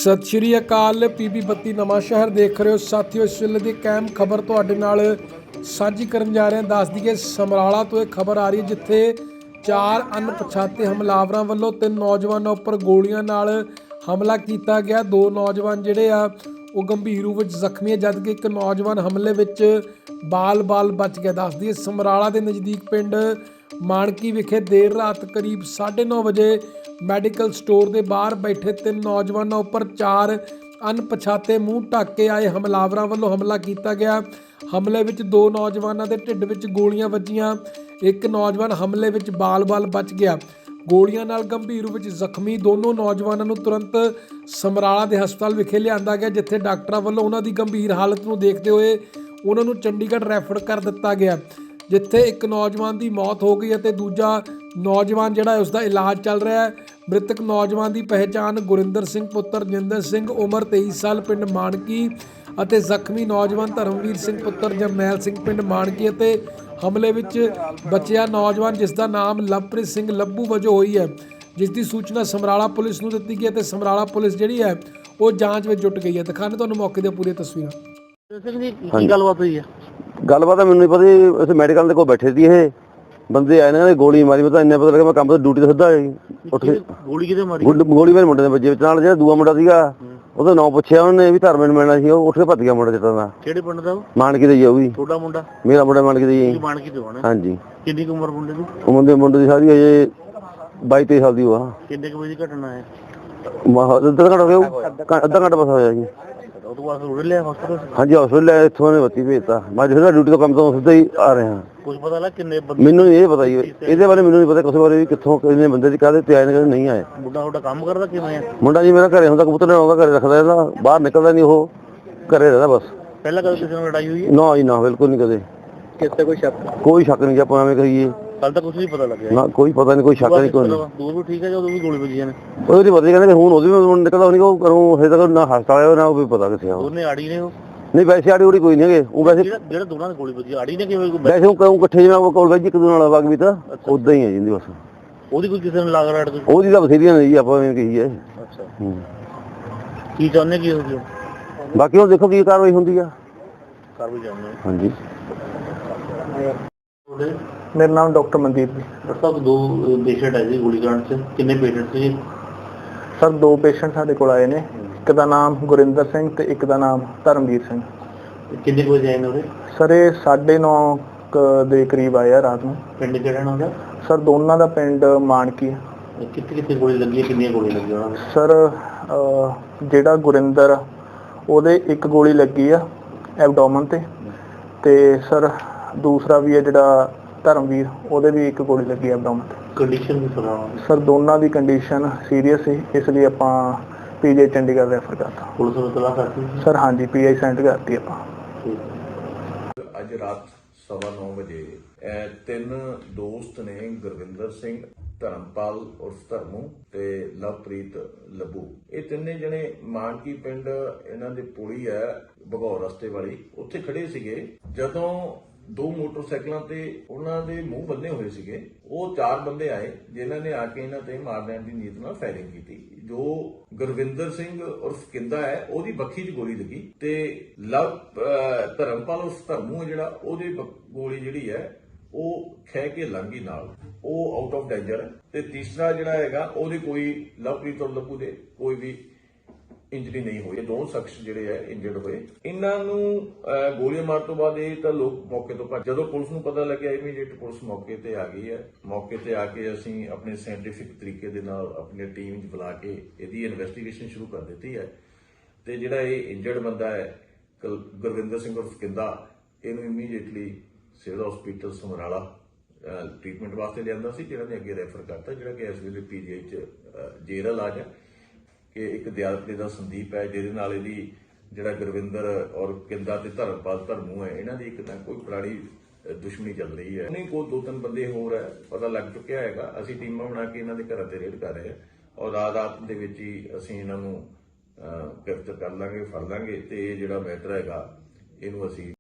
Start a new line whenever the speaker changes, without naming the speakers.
सत श्री अकाल। PB 32 नवां शहर देख रहे हो साथियों। इस वेले की कैम खबर तुहाडे नाल साझी करन जा रहे हैं। दस दईए समराला तो एक खबर आ रही है जिथे 4 अनपछाते हमलावरों वालों 3 नौजवानों उपर गोलियां नाल हमला किया गया। 2 नौजवान जिहड़े आ वो गंभीर रूप में जख्मी है, जबकि एक नौजवान हमले में बाल बच गया। दस दईए समराला के नज़दीक पिंड मानकी विखे देर रात करीब 9:30 बजे मैडिकल स्टोर के बाहर बैठे 3 नौजवानों उपर 4 अनपछाते मूँह ढक के आए हमलावरों वालों हमला किया गया। हमले में 2 नौजवानों के ढिड में गोलियां वजियां, एक नौजवान हमले में बाल बच गया। गोलियां नाल गंभीर रूप में जख्मी दोनों नौजवानों को तुरंत समराला के हस्पताल विखे लिया गया, जिथे डॉक्टरों वालों उन्हों की गंभीर हालत को देखते हुए उन्होंने चंडीगढ़ रैफर कर दिता गया, जिथे एक नौजवान की मौत हो गई और दूजा नौजवान जिहड़ा उसका इलाज चल रहा है। मृतक नौजवान की पहचान गुरिंदर सिंह पुत्र जिंदर सिंह उम्र 23 साल पिंड मानकी और जख्मी नौजवान धर्मवीर सिंह पुत्र जरनैल सिंह पिंड मानकी और हमले में बचिया नौजवान जिसका नाम लवप्रीत सिंह लब्बू वजों हुई है, जिसकी सूचना समराला पुलिस को दी गई है। समराला पुलिस जी है वो जांच में जुट गई है। दिखाने तुहानूं मौके दी पूरी तस्वीर।
गलबात हुई है?
गलबात मैनूं नहीं पता जी। इत्थे मैडिकल दे कोल बैठे सी ये बंदे आए ने, गोली मारी। मैं तो इन्ना पता लगा मैं काम तो ड्यूटी तो सीधा उठ के
गोली किते मारी?
गोली मेरे मुंडे दे वजे नाल जेड़ा दूआ मुंडा सीगा ਉਹਦਾ ਨਾਂ ਪੁੱਛਿਆ ਉਹਨੇ ਵੀ ਧਰਮੇ ਨੂੰ ਮਿਲਣਾ ਸੀ, ਉਹ ਉੱਠ ਕੇ ਭੱਜ ਗਿਆ ਮੁੰਡਾ ਜਿੱਤਾਂ ਦਾ।
ਕਿਹੜੇ ਪਿੰਡ ਦਾ ਉਹ?
ਮਾਨਕੀ ਦਾ ਜੀ। ਉਹ ਵੀ
ਤੁਹਾਡਾ ਮੁੰਡਾ?
ਮੇਰਾ ਮੁੰਡਾ ਮਾਨਕੀ ਦਾ ਜੀ।
ਮਾਨਕੀ ਤੋਂ ਆਣਾ?
ਹਾਂਜੀ।
ਕਿੰਨੀ ਉਮਰ ਮੁੰਡੇ ਦੀ?
ਉਹ ਮੁੰਡੇ ਦੀ ਸਾਰੀ ਅਜੇ 22-23 ਸਾਲ ਦੀ ਉਹ ਆ।
ਕਿੰਨੇ ਕੁ ਵਜੇ ਦੀ ਘਟਨਾ ਹੈ?
ਅੱਧਾ ਘੰਟਾ ਹੋ ਗਿਆ, ਅੱਧਾ ਘੰਟਾ ਬਸ ਹੋਇਆ ਜੀ।
ਉਹ ਤੋਂ ਬਾਅਦ ਰੋੜ ਲਿਆ ਹਸਪਤਾਲ?
ਹਾਂਜੀ ਹਸਪਤਾਲ ਲੈ, ਇੱਥੋਂ ਨੇ ਬੱਤੀ ਭੇਜਤਾ। ਮੈਂ ਜਿਹੜਾ ਡਿਊਟੀ ਤੋਂ ਕੰਮ ਤੋਂ ਸਿੱਧਾ ਹੀ ਆ ਰਿਹਾ।
ਕੁਝ ਪਤਾ ਲੱਗ ਕਿੰਨੇ ਬੰਦੇ?
ਮੈਨੂੰ ਇਹ ਪਤਾ ਜੀ, ਇਹਦੇ ਬਾਰੇ ਮੈਨੂੰ ਨਹੀਂ ਪਤਾ ਕਿਸੇ ਬਾਰੇ ਵੀ ਕਿੱਥੋਂ ਕਿੰਨੇ ਬੰਦੇ ਦੀ ਕਾਹਦੇ ਤੇ ਆਏ ਨੇ, ਨਹੀਂ ਆਏ।
ਮੁੰਡਾ ਤੁਹਾਡਾ ਕੰਮ ਕਰਦਾ ਕਿਵੇਂ ਆ?
ਮੁੰਡਾ ਜੀ ਮੇਰਾ ਘਰੇ ਹੁੰਦਾ, ਕਬੂਤਰ ਆਉਂਦਾ ਘਰੇ ਰੱਖਦਾ, ਇਹਦਾ ਬਾਹਰ ਨਿਕਲਦਾ ਨਹੀਂ, ਉਹ ਘਰੇ ਰਹਿੰਦਾ ਬਸ।
ਪਹਿਲਾਂ ਕਦੇ ਕਿਸੇ ਨਾਲ ਲੜਾਈ ਹੋਈ ਹੈ?
ਨਾ ਜੀ ਨਾ, ਬਿਲਕੁਲ ਨਹੀਂ ਕਦੇ।
ਕਿਸੇ ਕੋਈ ਸ਼ੱਕ?
ਕੋਈ ਸ਼ੱਕ ਨਹੀਂ ਜੀ, ਆਪਾਂ ਐਵੇਂ ਕਹੀਏ।
ਕੱਲ ਤਾਂ ਕੁਝ ਨਹੀਂ ਪਤਾ ਲੱਗਿਆ
ਨਾ ਕੋਈ ਪਤਾ ਨਹੀਂ, ਕੋਈ ਸ਼ੱਕ ਨਹੀਂ। ਕੋਈ
ਦੂਰ ਵੀ ਠੀਕ ਹੈ, ਜਦੋਂ ਵੀ ਗੋਲੀ ਵੱਜੀਆਂ ਨੇ
ਉਹਦੀ ਪਤਾ ਨਹੀਂ, ਕਹਿੰਦੇ ਹੁਣ ਉਹਦੀ ਵੀ ਨਿਕਲਦਾ ਨਹੀਂ, ਉਹ ਕਰੂੰ ਹਜੇ ਤੱਕ ਨਾ ਹਸਪਤਾਲ ਆਇਆ ਨਾ ਉਹ ਵੀ ਪਤਾ ਕਿੱਥੇ ਆ।
ਦੋਨੇ ਆੜੀ ਨੇ ਉਹ?
ਨਹੀਂ ਵੈਸੇ ਆੜੀ ਉੜੀ ਕੋਈ ਨਹੀਂ ਹੈਗੇ। ਉਹ ਵੈਸੇ
ਜਿਹੜਾ ਦੋਨਾਂ ਦੀ ਗੋਲੀ ਵੱਜੀ ਆੜੀ ਨੇ ਕਿਵੇਂ?
ਵੈਸੇ ਉਹ ਕਹੂੰ ਇਕੱਠੇ ਜਿਵੇਂ ਕੋਲ ਵੈਜ ਇੱਕ ਦੂਜੇ ਨਾਲ ਵਗ ਵੀ ਤਾਂ ਉਦਾਂ ਹੀ ਹੈ ਜਿੰਦੀ ਬਸ।
ਉਹਦੀ ਕੋਈ ਕਿਸੇ ਨੂੰ ਲਾਗ ਰਾੜ ਕੋਈ?
ਉਹਦੀ ਤਾਂ ਬਥੇਰੀਆਂ ਨੇ ਜੀ, ਆਪਾਂ ਐਵੇਂ ਕਹੀਏ।
ਅੱਛਾ। ਕੀ ਚਾਹੁੰਦੇ ਕੀ ਹੋ ਗਿਆ?
ਬਾਕੀ ਹੁਣ ਦੇਖੋ ਕੀ ਕਾਰਵਾਈ ਹੁੰਦੀ ਆ।
ਕਰ ਵੀ ਜਾਂਦੇ।
ਹਾਂਜੀ।
मेरा नाम डॉक्टर मनदीप जी।
डॉक्टर साहब, 2 पेशेंट है जी गोलीकांड से, कितने पेशेंट थे?
सर 2 पेशेंट साडे कोल आए ने, एक दा नाम गुरिंदर सिंह ते एक दा नाम धर्मवीर सिंह।
कितने बजे आए ने?
सर ये 9:30 ਦੇ ਕਰੀਬ ਆਇਆ ਰਾਤ ਨੂੰ।
ਪਿੰਡ ਕਿਹੜਾ ਨਾ ਉਹਦਾ?
ਸਰ ਦੋਨਾਂ ਦਾ ਪਿੰਡ ਮਾਨਕੀ ਹੈ।
ਕਿੱਥੇ ਗੋਲੀ ਲੱਗੀ ਹੈ? ਕਿੰਨੀਆਂ ਗੋਲੀ ਲੱਗੀਆਂ ਉਹਨਾਂ ਨੂੰ?
ਸਰ ਜਿਹੜਾ ਗੁਰਿੰਦਰ ਉਹਦੇ ਇੱਕ ਗੋਲੀ ਲੱਗੀ ਆ ਐਬਡੋਮਨ ਤੇ ਸਰ ਦੂਸਰਾ ਵੀ ਹੈ ਜਿਹੜਾ ਧਰਮਵੀਰ, ਉਹਦੇ ਵੀ ਇੱਕ ਗੋਲੀ ਲੱਗੀ ਐਬਡੋਮਨ ਤੇ।
ਕੰਡੀਸ਼ਨ ਵੀ ਸੁਣਾਓ
ਸਰ ਦੋਨਾਂ ਦੀ ਕੰਡੀਸ਼ਨ ਸੀਰੀਅਸ ਸੀ, ਇਸ ਲਈ ਆਪਾਂ PGI ਚੰਡੀਗੜ੍ਹ ਰੈਫਰ ਕਰਤਾ।
ਪੁਲਿਸ ਨੂੰ ਤਲਾਸ਼ ਕਰਤੀ
ਸਰ? ਹਾਂਜੀ PGI ਸੈਂਡ ਕਰਤੀ ਆਪਾਂ।
ਅੱਜ ਰਾਤ 9:15 ਵਜੇ 3 ਦੋਸਤ ਨੇ, ਗੁਰਵਿੰਦਰ ਸਿੰਘ, ਧਰਮਪਾਲ ਉਰਫ ਧਰਮੂ ਤੇ ਲਵਪ੍ਰੀਤ ਲੱਭੂ, ਇਹ ਤਿੰਨੇ ਜਣੇ ਮਾਨਕੀ ਪਿੰਡ ਇਹਨਾਂ ਦੇ ਪੁਲੀ ਹੈ ਭਗੌਰ ਰਸਤੇ ਵਾਲੀ, ਉੱਥੇ ਖੜੇ ਸੀਗੇ। ਜਦੋਂ 2 ਮੋਟਰਸਾਈਕਲਾਂ ਤੇ ਉਹਨਾਂ ਦੇ ਮੂੰਹ ਬੰਨੇ ਹੋਏ ਸੀਗੇ, ਉਹ 4 ਬੰਦੇ ਆਏ ਜਿਨ੍ਹਾਂ ਨੇ ਆ ਕੇ ਇਹਨਾਂ ਤੇ ਮਾਰ ਲੈਣ ਦੀ ਨੀਅਤ ਨਾਲ ਫਾਇਰਿੰਗ ਕੀਤੀ। ਜੋ ਗੁਰਵਿੰਦਰ ਸਿੰਘ ਉਰਫ ਕਿੰਦਾ ਹੈ ਉਹਦੀ ਬੱਖੀ 'ਚ ਗੋਲੀ ਲੱਗੀ ਤੇ ਧਰਮਪਾਲ ਉਰਫ ਧਰਮੂ ਜਿਹੜਾ ਉਹਦੇ ਗੋਲੀ ਜਿਹੜੀ ਹੈ ਉਹ ਖਹਿ ਕੇ ਲੰਘੀ ਨਾਲ, ਉਹ ਆਊਟ ਆਫ ਡੇਂਜਰ ਹੈ। ਤੇ ਤੀਸਰਾ ਜਿਹੜਾ ਹੈਗਾ ਉਹਦੇ ਕੋਈ ਲਵਪ੍ਰੀਤ ਔਰ ਲੱਭੂ ਦੇ ਕੋਈ ਵੀ ਇੰਜਰੀ ਨਹੀਂ ਹੋਈ। 2 ਸ਼ਖਸ ਜਿਹੜੇ ਹੈ ਇੰਜਰਡ ਹੋਏ। ਇਹਨਾਂ ਨੂੰ ਗੋਲੀਆਂ ਮਾਰਨ ਤੋਂ ਬਾਅਦ ਇਹ ਤਾਂ ਲੋਕ ਮੌਕੇ ਤੋਂ ਭੱਜ। ਜਦੋਂ ਪੁਲਿਸ ਨੂੰ ਪਤਾ ਲੱਗਿਆ ਇਮੀਡੀਏਟ ਪੁਲਿਸ ਮੌਕੇ ਤੇ ਆ ਗਈ ਹੈ। ਮੌਕੇ ਤੇ ਆ ਕੇ ਅਸੀਂ ਆਪਣੇ ਸਾਇੰਟੀਫਿਕ ਤਰੀਕੇ ਦੇ ਨਾਲ ਆਪਣੀ ਟੀਮ ਚ ਬੁਲਾ ਕੇ ਇਹਦੀ ਇਨਵੈਸਟੀਗੇਸ਼ਨ ਸ਼ੁਰੂ ਕਰ ਦਿੱਤੀ ਹੈ। ਤੇ ਜਿਹੜਾ ਇਹ ਇੰਜਰਡ ਬੰਦਾ ਹੈ ਗੁਰਵਿੰਦਰ ਸਿੰਘ ਉਰਫ ਕਿੰਦਾ, ਇਹਨੂੰ immediately civil hospital Samrala treatment ਵਾਸਤੇ ਲਿਆਂਦਾ ਸੀ, ਜਿਹੜਾ ਨੇ ਅੱਗੇ ਰੈਫਰ ਕਰਤਾ, ਜਿਹੜਾ ਕਿ ਇਸ ਵੇਲੇ PGI ਚ ਜੇਰ ਇਲਾਜ ਹੈ। ਕਿ ਇੱਕ ਦਿਆਲਪੁਰੇ ਦਾ ਸੰਦੀਪ ਹੈ ਜਿਹਦੇ ਨਾਲ ਇਹਦੀ ਜਿਹੜਾ ਗੁਰਵਿੰਦਰ ਔਰ ਕਿੰਦਾ ਤੇ ਧਰਮਪਾਲ ਧਰਮੂ ਹੈ, ਇਹਨਾਂ ਦੀ ਇੱਕ ਤਾਂ ਕੋਈ ਪੁਰਾਣੀ ਦੁਸ਼ਮਣੀ ਚੱਲ ਰਹੀ ਹੈ। ਨਹੀਂ ਕੋਈ 2-3 ਬੰਦੇ ਹੋਰ ਹੈ ਪਤਾ ਲੱਗ ਚੁੱਕਿਆ ਹੈਗਾ। ਅਸੀਂ ਟੀਮਾਂ ਬਣਾ ਕੇ ਇਹਨਾਂ ਦੇ ਘਰਾਂ ਤੇ ਰੇਡ ਕਰ ਰਹੇ ਹਾਂ ਔਰ ਰਾਤ ਦੇ ਵਿੱਚ ਹੀ ਅਸੀਂ ਇਹਨਾਂ ਨੂੰ ਗ੍ਰਿਫਤਾਰ ਕਰ ਲਾਂਗੇ, ਫੜ ਲਾਂਗੇ ਤੇ ਇਹ ਜਿਹੜਾ ਮੈਟਰ ਹੈਗਾ ਇਹਨੂੰ ਅਸੀਂ